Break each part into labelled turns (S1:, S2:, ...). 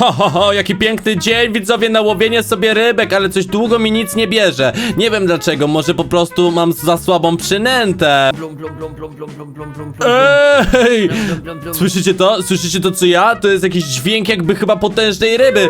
S1: Ho, jaki piękny dzień, widzowie, na łowienie sobie rybek, ale coś długo mi nic nie bierze. Nie wiem dlaczego, może po prostu mam za słabą przynętę.
S2: Blum, blum, blum, blum, blum, blum, blum, blum, blum.
S1: Ej!
S2: Blum, blum, blum.
S1: Słyszycie to? Słyszycie to co ja? To jest jakiś dźwięk jakby chyba potężnej ryby.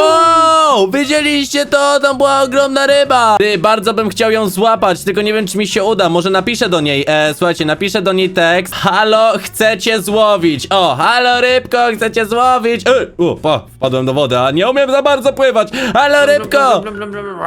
S1: O! Widzieliście to? Tam była ogromna ryba. Ty, bardzo bym chciał ją złapać, tylko nie wiem czy mi się uda. Może napiszę do niej. Słuchajcie, napiszę do niej tekst. Halo, chcecie złowić. O, halo rybko, chcecie złowić. Wpadłem do wody, a nie umiem za bardzo pływać. Halo rybko!
S2: Blum, blum, blum, blum.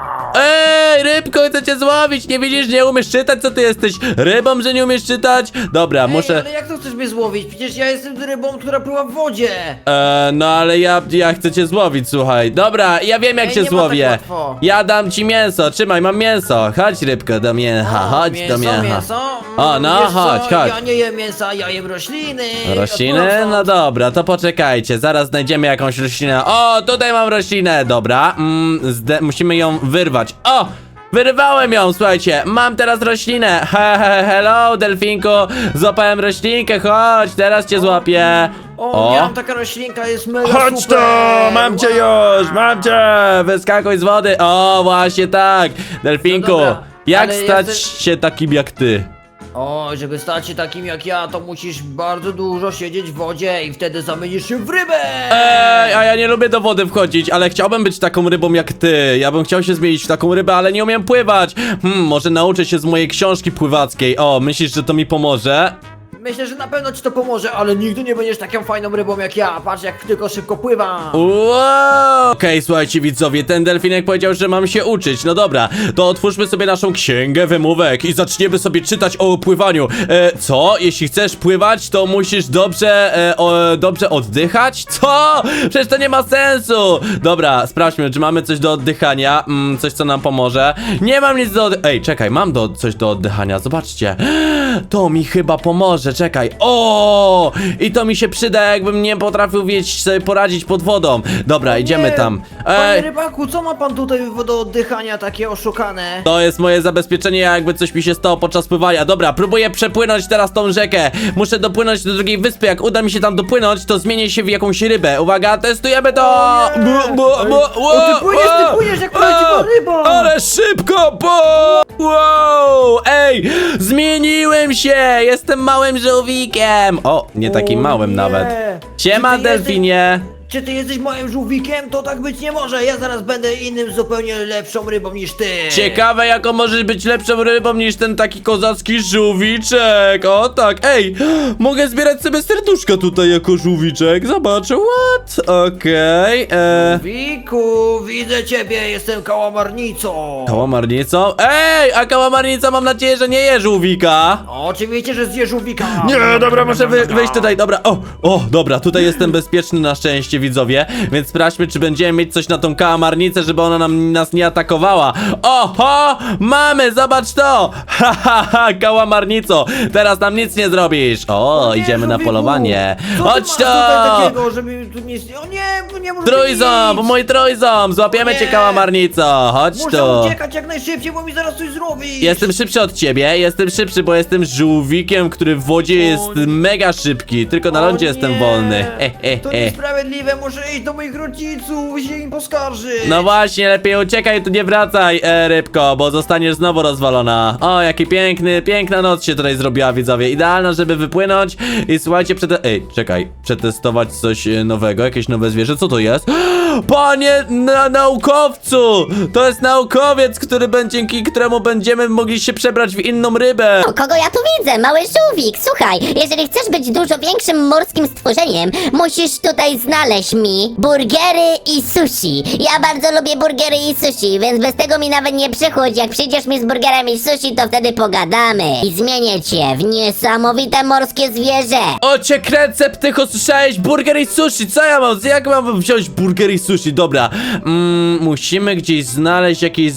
S1: Ej, rybko, chcecie złowić? Nie widzisz, nie umiesz czytać? Co ty jesteś? Rybą, że nie umiesz czytać? Dobra,
S2: Ej,
S1: muszę...
S2: ale jak to chcesz mnie złowić? Przecież ja jestem rybą, która pływa w wodzie.
S1: No ale ja chcę cię złowić, słuchaj. Dobra, ja wiem jak
S2: Ej,
S1: cię
S2: nie ma tak
S1: złowię.
S2: łatwo.
S1: Ja dam ci mięso, trzymaj, mam mięso. Chodź rybko do mięcha, chodź
S2: mięso,
S1: do mięcha.
S2: mięso?
S1: O, no,
S2: Wiesz co?
S1: chodź.
S2: Ja nie jem mięsa, ja jem rośliny.
S1: Rośliny?
S2: Odpływam
S1: No
S2: stąd.
S1: dobra, to poczekajcie, zaraz znajdziemy jakąś roślinę. O, tutaj mam roślinę, dobra. Musimy ją wyrwać. O! Wyrwałem ją, słuchajcie, mam teraz roślinę. Hello, delfinku, złapałem roślinkę, chodź, teraz cię złapię.
S2: O, miałam taka roślinka, jest mega
S1: Chodź tu,
S2: super.
S1: mam cię już, mam cię, wyskakuj z wody. O, właśnie tak, delfinku,
S2: No dobra,
S1: jak
S2: ale
S1: stać
S2: jesteś-
S1: się takim jak ty?
S2: O, żeby stać się takim jak ja, to musisz bardzo dużo siedzieć w wodzie i wtedy zamienisz się w rybę.
S1: Ej, a ja nie lubię do wody wchodzić, ale chciałbym być taką rybą jak ty. Ja bym chciał się zmienić w taką rybę, ale nie umiem pływać. Może nauczę się z mojej książki pływackiej. O, myślisz, że to mi pomoże?
S2: Myślę, że na pewno ci to pomoże, ale nigdy nie będziesz taką fajną rybą jak ja. Patrz, jak tylko szybko pływam.
S1: Wow! Okej, słuchajcie widzowie, ten delfinek powiedział, że mam się uczyć. No dobra, to otwórzmy sobie naszą księgę wymówek i zaczniemy sobie czytać o pływaniu. Co? Jeśli chcesz pływać, to musisz dobrze oddychać? Co? Przecież to nie ma sensu! Dobra, sprawdźmy, czy mamy coś do oddychania, coś co nam pomoże. Nie mam nic do Ej, czekaj, mam coś do oddychania, zobaczcie. To mi chyba pomoże, czekaj. O! I to mi się przyda, jakbym nie potrafił sobie poradzić pod wodą. Dobra, idziemy
S2: Nie,
S1: tam.
S2: Panie rybaku, co ma pan tutaj do oddychania takie oszukane?
S1: To jest moje zabezpieczenie, jakby coś mi się stało podczas pływania. Dobra, próbuję przepłynąć teraz tą rzekę. Muszę dopłynąć do drugiej wyspy. Jak uda mi się tam dopłynąć, to zmienię się w jakąś rybę. Uwaga, testujemy to!
S2: O, ty płyniesz jak prawdziwa ryba!
S1: Ale szybko! Wow! Ej! Zmieniłem się! Jestem małym żółwikiem! O, nie takim
S2: O
S1: małym
S2: nie.
S1: nawet.
S2: Czy
S1: Siema,
S2: ty
S1: delfinie!
S2: Czy ty jesteś moim żółwikiem? To tak być nie może. Ja zaraz będę innym, zupełnie lepszą rybą niż ty.
S1: Ciekawe, jaką możesz być lepszą rybą niż ten taki kozacki żółwiczek. O tak, ej, mogę zbierać sobie serduszka tutaj jako żółwiczek. Zobaczę, what? Okej,
S2: Żółwiku, widzę ciebie, jestem kałamarnicą.
S1: Kałamarnicą? Ej, a kałamarnica mam nadzieję, że nie je żółwika.
S2: Oczywiście, że zje żółwika.
S1: Nie, dobra, muszę wyjść tutaj, dobra, dobra, tutaj jestem bezpieczny na szczęście, widzowie, więc sprawdźmy, czy będziemy mieć coś na tą kałamarnicę, żeby ona nas nie atakowała. Oho, mamy, zobacz to, kałamarnico, teraz nam nic nie zrobisz. O,
S2: Nie,
S1: idziemy na
S2: żółwiku.
S1: polowanie,
S2: Co
S1: chodź
S2: ty masz tutaj
S1: to.
S2: takiego, żeby tu nie... O nie może
S1: Trójząb, mój trójząb, złapiemy cię,
S2: Nie.
S1: kałamarnico, chodź
S2: Muszę
S1: tu.
S2: uciekać jak najszybciej, bo mi zaraz coś zrobi.
S1: Jestem szybszy od ciebie, jestem szybszy, bo jestem żółwikiem, który w wodzie jest
S2: nie.
S1: mega szybki, tylko na
S2: O
S1: lądzie jestem
S2: nie.
S1: wolny.
S2: To niesprawiedliwe, muszę iść do moich rodziców i się im poskarżyć.
S1: No właśnie, lepiej uciekaj, tu nie wracaj, rybko, bo zostaniesz znowu rozwalona. O, jaki piękna noc się tutaj zrobiła, widzowie. Idealna, żeby wypłynąć i słuchajcie, przetestować coś nowego, jakieś nowe zwierzę. Co to jest? Panie naukowcu! To jest naukowiec, dzięki któremu będziemy mogli się przebrać w inną rybę.
S3: O, kogo ja tu widzę? Mały żółwik. Słuchaj, jeżeli chcesz być dużo większym morskim stworzeniem, musisz tutaj znaleźć mi burgery i sushi. Ja bardzo lubię burgery i sushi, więc bez tego mi nawet nie przychodź. Jak przyjdziesz mi z burgerami i sushi, to wtedy pogadamy. I zmienię cię w niesamowite morskie zwierzę.
S1: O cię kręcę, ptycho, słyszałeś? Burger i sushi, co ja mam? Jak mam wziąć burger i sushi? Dobra, musimy gdzieś znaleźć jakieś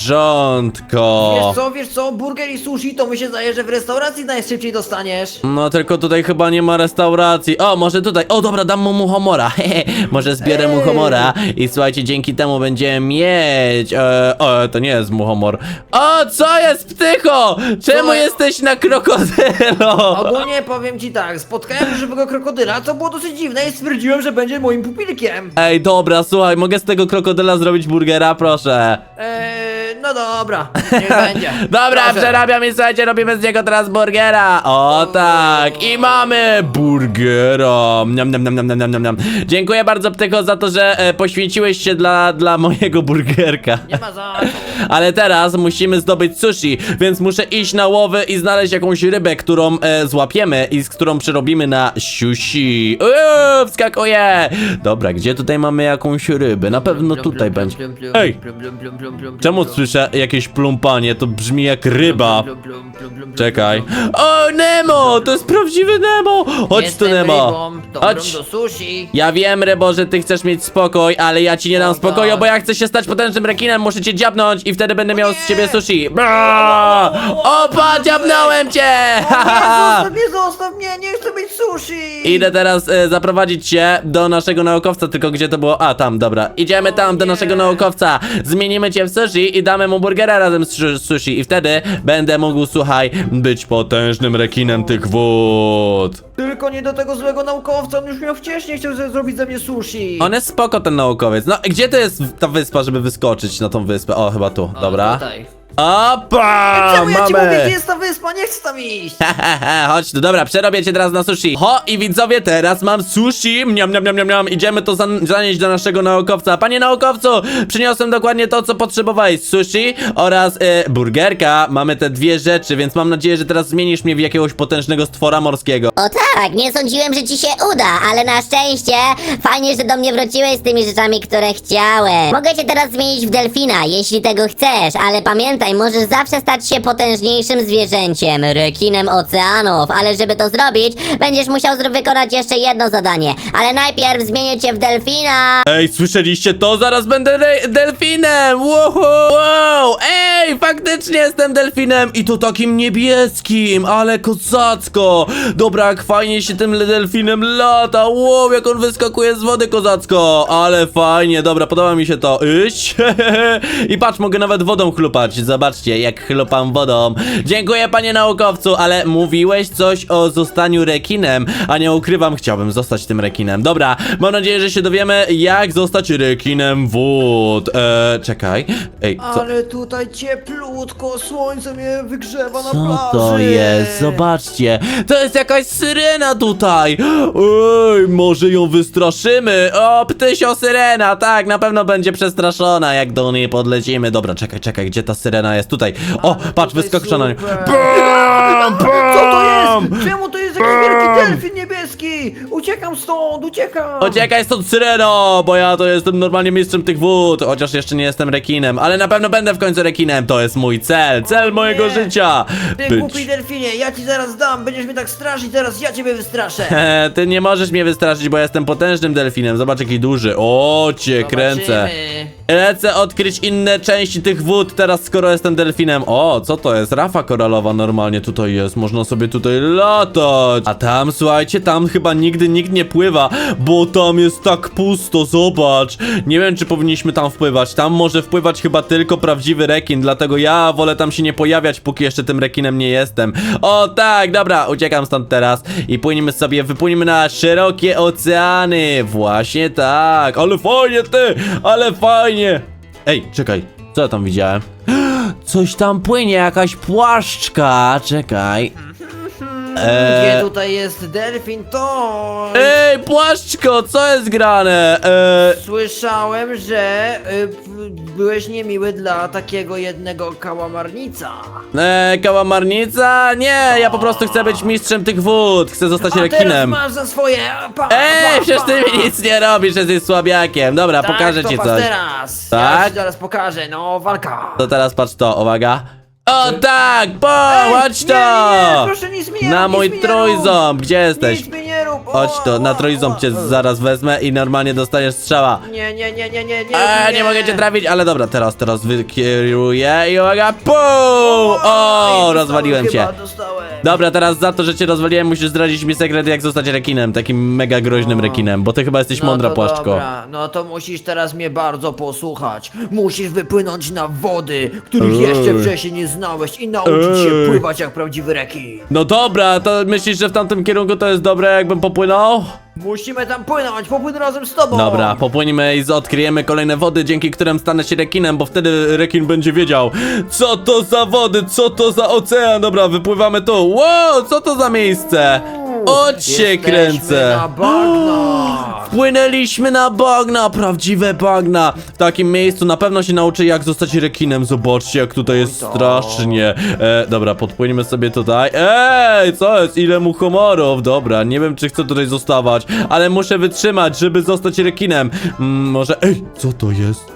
S1: zwierzątko.
S2: Wiesz co, burger i sushi to mi się zdaje, że w restauracji najszybciej dostaniesz.
S1: No tylko tutaj chyba nie ma restauracji. O, może tutaj. O, dobra, dam mu muchomora. Może zbiorę muchomora i słuchajcie, dzięki temu będziemy mieć... to nie jest muchomor. O, co jest, Ptycho? Czemu
S2: Co?
S1: jesteś na krokodylo?
S2: Ogólnie powiem ci tak, spotkałem żywego krokodyla, co było dosyć dziwne i stwierdziłem, że będzie moim pupilkiem.
S1: Ej, dobra, słuchaj, mogę z tego krokodyla zrobić burgera, proszę.
S2: No dobra, niech będzie.
S1: Dobra,
S2: Proszę.
S1: przerabiam i słuchajcie, robimy z niego teraz burgera. O tak, i mamy burgera. Niam, niam, niam, niam, niam, niam, niam. Dziękuję bardzo, Ptycho, za to, że poświęciłeś się dla mojego burgerka.
S2: Nie ma za co.
S1: Ale teraz musimy zdobyć sushi, więc muszę iść na łowy i znaleźć jakąś rybę, którą złapiemy i z którą przerobimy na sushi. Wskakuję. Dobra, gdzie tutaj mamy jakąś rybę? Na pewno tutaj będzie. Ej, czemu słyszę jakieś plumpanie? To brzmi jak ryba. Czekaj. O, Nemo! To jest prawdziwy Nemo! Chodź tu, Nemo. Chodź.
S2: do sushi.
S1: Ja wiem, Rybo, że ty chcesz mieć spokój, ale ja ci nie dam
S2: O,
S1: spokoju,
S2: tak.
S1: bo ja chcę się stać potężnym rekinem, muszę cię dziabnąć i wtedy będę miał z ciebie sushi. Bra! Opa, dziabnąłem cię!
S2: Zostaw mnie, nie chcę mieć sushi.
S1: Idę teraz zaprowadzić cię do naszego naukowca, tylko gdzie to było? A, tam, dobra. Idziemy tam do
S2: nie.
S1: naszego naukowca. Zmienimy cię w sushi i damy mu burgera razem z sushi i wtedy będę mógł, słuchaj, być potężnym rekinem tych wód.
S2: Tylko nie do tego złego naukowca, on już miał wcześniej chciał zrobić ze mnie sushi.
S1: On jest spoko, ten naukowiec. No, gdzie to jest ta wyspa, żeby wyskoczyć na tą wyspę? O, chyba tu,
S2: O,
S1: dobra.
S2: Tutaj.
S1: Opa!
S2: Czemu ja ci
S1: mamy.
S2: mówię, gdzie jest ta wyspa? Nie chcę tam iść.
S1: Chodź tu, dobra, przerobię cię teraz na sushi. Ho, i widzowie, teraz mam sushi. Miam, miam, miam, miam, miam. Idziemy to zanieść do naszego naukowca. Panie naukowcu, przyniosłem dokładnie to, co potrzebowałeś. Sushi oraz burgerka. Mamy te dwie rzeczy, więc mam nadzieję, że teraz zmienisz mnie w jakiegoś potężnego stwora morskiego.
S3: O tak, nie sądziłem, że ci się uda, ale na szczęście fajnie, że do mnie wróciłeś z tymi rzeczami, które chciałem. Mogę cię teraz zmienić w delfina, jeśli tego chcesz, ale pamiętaj, możesz zawsze stać się potężniejszym zwierzęciem, rekinem oceanów, ale żeby to zrobić, będziesz musiał wykonać jeszcze jedno zadanie, ale najpierw zmienię cię w delfina.
S1: Ej, słyszeliście to? Zaraz będę delfinem! Wow! Ej, faktycznie jestem delfinem i to takim niebieskim, ale kozacko! Dobra, jak fajnie się tym delfinem lata! Wow, jak on wyskakuje z wody kozacko! Ale fajnie, dobra, podoba mi się to. Iść! I patrz, mogę nawet wodą chlupać. Zobaczcie, jak chlupam wodą. Dziękuję, panie naukowcu, ale mówiłeś coś o zostaniu rekinem, a nie ukrywam, chciałbym zostać tym rekinem. Dobra, mam nadzieję, że się dowiemy, jak zostać rekinem wód. Czekaj. Ej, co?
S2: Ale tutaj cieplutko, słońce mnie wygrzewa na
S1: Co
S2: plaży.
S1: to jest? Zobaczcie, to jest jakaś syrena tutaj. Ej, może ją wystraszymy. O, ptysio syrena, tak, na pewno będzie przestraszona, jak do niej podlecimy. Dobra, czekaj, gdzie ta syrena jest? Tutaj. O, patrz,
S2: tutaj
S1: wyskoczyła na nie.
S2: super.
S1: Bam,
S2: Co to
S1: bam!
S2: jest? Czemu to jest jakiś wielki delfin niebieski? Uciekam stąd, uciekam.
S1: Uciekaj stąd, syreno, bo ja to jestem normalnie mistrzem tych wód, chociaż jeszcze nie jestem rekinem, ale na pewno będę w końcu rekinem, to jest mój cel mojego
S2: Nie.
S1: życia.
S2: Ty głupi delfinie, ja ci zaraz dam, będziesz mnie tak straszyć, teraz ja ciebie wystraszę.
S1: Ty nie możesz mnie wystraszyć, bo ja jestem potężnym delfinem, zobacz jaki duży, o cię kręcę.
S2: Zobaczymy.
S1: Lecę odkryć inne części tych wód teraz, skoro jestem delfinem. O, co to jest? Rafa koralowa normalnie tutaj jest, można sobie tutaj latać. A tam, słuchajcie, tam chyba nigdy nikt nie pływa, bo tam jest tak pusto, zobacz. Nie wiem, czy powinniśmy tam wpływać, tam może wpływać chyba tylko prawdziwy rekin, dlatego ja wolę tam się nie pojawiać, póki jeszcze tym rekinem nie jestem. O tak, dobra, uciekam stąd teraz i wypłyniemy na szerokie oceany. Właśnie tak, ale fajnie ty, ale fajnie. Ej, czekaj, co ja tam widziałem? Coś tam płynie, jakaś płaszczka, czekaj.
S2: Gdzie tutaj jest delfin, to...
S1: Ej, płaszczko, co jest grane?
S2: Słyszałem, że byłeś niemiły dla takiego jednego kałamarnica.
S1: Kałamarnica? Nie, ja po prostu chcę być mistrzem tych wód, chcę zostać
S2: A teraz
S1: rekinem.
S2: masz za swoje...
S1: Przecież ty mi nic nie robisz, jesteś słabiakiem. Dobra,
S2: Tak,
S1: pokażę
S2: to
S1: ci
S2: patrz
S1: coś.
S2: teraz.
S1: Tak?
S2: Ja ci zaraz pokażę, no walka.
S1: To teraz patrz to, uwaga. O tak, chodź to!
S2: Nie, proszę nic mi nie
S1: Na
S2: rób,
S1: mój
S2: nic mi nie rób.
S1: trójząb, gdzie jesteś?
S2: Nic mi nie rób.
S1: Chodź to, na trójząb cię zaraz wezmę i normalnie dostaniesz strzała.
S2: Nie.
S1: Nie mogę cię trafić, ale dobra, teraz wykieruję i uwaga, pum! O,
S2: Dostałem
S1: rozwaliłem cię.
S2: chyba, dostałem.
S1: Dobra, teraz za to, że cię rozwaliłem, musisz zdradzić mi sekret, jak zostać rekinem, takim mega groźnym rekinem, bo ty chyba jesteś mądra,
S2: to
S1: Płaszczko.
S2: Dobra, no to musisz teraz mnie bardzo posłuchać. Musisz wypłynąć na wody, których jeszcze wcześniej nie znałeś i nauczyć się pływać jak prawdziwy rekin.
S1: No dobra, to myślisz, że w tamtym kierunku to jest dobre, jakbym popłynął?
S2: Musimy tam płynąć, popłynę razem z tobą.
S1: Dobra, popłyniemy i odkryjemy kolejne wody, dzięki którym stanę się rekinem, bo wtedy rekin będzie wiedział, co to za wody, co to za ocean. Dobra, wypływamy tu. Wow, co to za miejsce? O cię
S2: Jesteśmy
S1: kręcę.
S2: na bagnach.
S1: Wpłynęliśmy na bagna, prawdziwe bagna. W takim miejscu na pewno się nauczy, jak zostać rekinem. Zobaczcie, jak tutaj jest
S2: tak.
S1: strasznie. Dobra, podpłyniemy sobie tutaj. Ej, co jest? Ile muchomorów? Dobra, nie wiem, czy chcę tutaj zostawać, ale muszę wytrzymać, żeby zostać rekinem. Może... Ej, co to jest?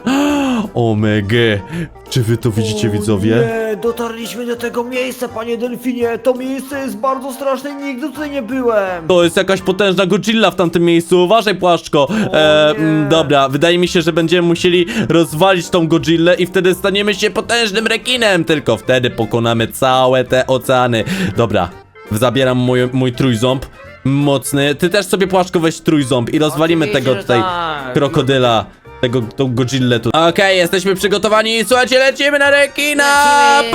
S1: Omega. Czy wy to widzicie, widzowie?
S2: Nie, dotarliśmy do tego miejsca, panie delfinie. To miejsce jest bardzo straszne i nigdy tutaj nie byłem.
S1: To jest jakaś potężna Godzilla w tamtym miejscu. Uważaj, Płaszczko.
S2: nie.
S1: Dobra, wydaje mi się, że będziemy musieli rozwalić tą Godzillę i wtedy staniemy się potężnym rekinem. Tylko wtedy pokonamy całe te oceany. Dobra, zabieram mój trójząb. Mocny. Ty też sobie, Płaszczko, weź trójząb i rozwalimy
S2: Oczywiście,
S1: tego
S2: że
S1: tutaj
S2: tak.
S1: krokodyla. Tą Godzillę tu. Okej, jesteśmy przygotowani. Słuchajcie, lecimy na rekina!
S2: Lecimy!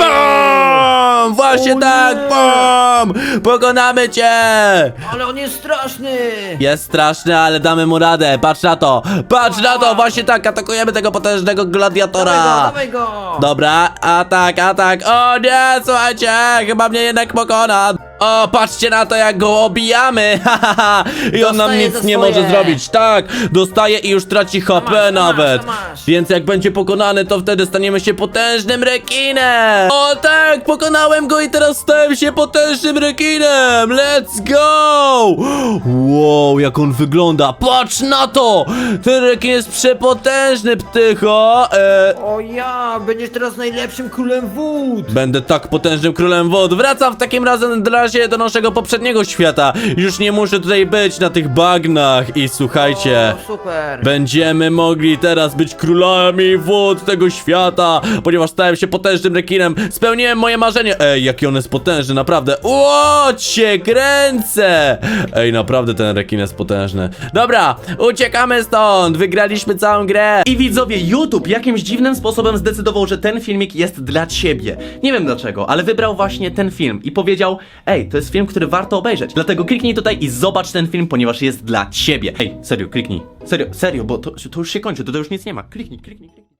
S1: Bum! Właśnie
S2: O
S1: tak!
S2: nie!
S1: Bum! Pokonamy cię!
S2: Ale on jest straszny.
S1: Jest straszny, ale damy mu radę. Patrz na to! Patrz na to! Właśnie tak, atakujemy tego potężnego gladiatora!
S2: Dawaj go.
S1: Dobra, atak, atak. O nie, słuchajcie, chyba mnie jednak pokona. O, patrzcie na to, jak go obijamy. I on nam
S2: Dostaje
S1: nic
S2: za
S1: nie
S2: swoje.
S1: może zrobić. Tak, dostaje i już traci HP
S2: masz,
S1: nawet.
S2: masz.
S1: Więc jak będzie pokonany, to wtedy staniemy się potężnym rekinem. O tak, pokonałem go i teraz stałem się potężnym rekinem. Let's go. Wow, jak on wygląda. Patrz na to. Ten rekin jest przepotężny, ptycho.
S2: O ja, będziesz teraz najlepszym królem wód.
S1: Będę tak potężnym królem wód. Wracam w takim razie do naszego poprzedniego świata. Już nie muszę tutaj być na tych bagnach. I słuchajcie,
S2: O, super.
S1: będziemy mogli teraz być królami wód tego świata, ponieważ stałem się potężnym rekinem. Spełniłem moje marzenie. Ej, jaki on jest potężny, naprawdę. Ło, cię kręcę. Ej, naprawdę ten rekin jest potężny. Dobra, uciekamy stąd. Wygraliśmy całą grę.
S4: I widzowie, YouTube jakimś dziwnym sposobem zdecydował, że ten filmik jest dla ciebie. Nie wiem dlaczego, ale wybrał właśnie ten film i powiedział: ej, to jest film, który warto obejrzeć. Dlatego kliknij tutaj i zobacz ten film, ponieważ jest dla ciebie. Ej, serio, kliknij. Serio, bo to już się kończy, to już nic nie ma. Kliknij.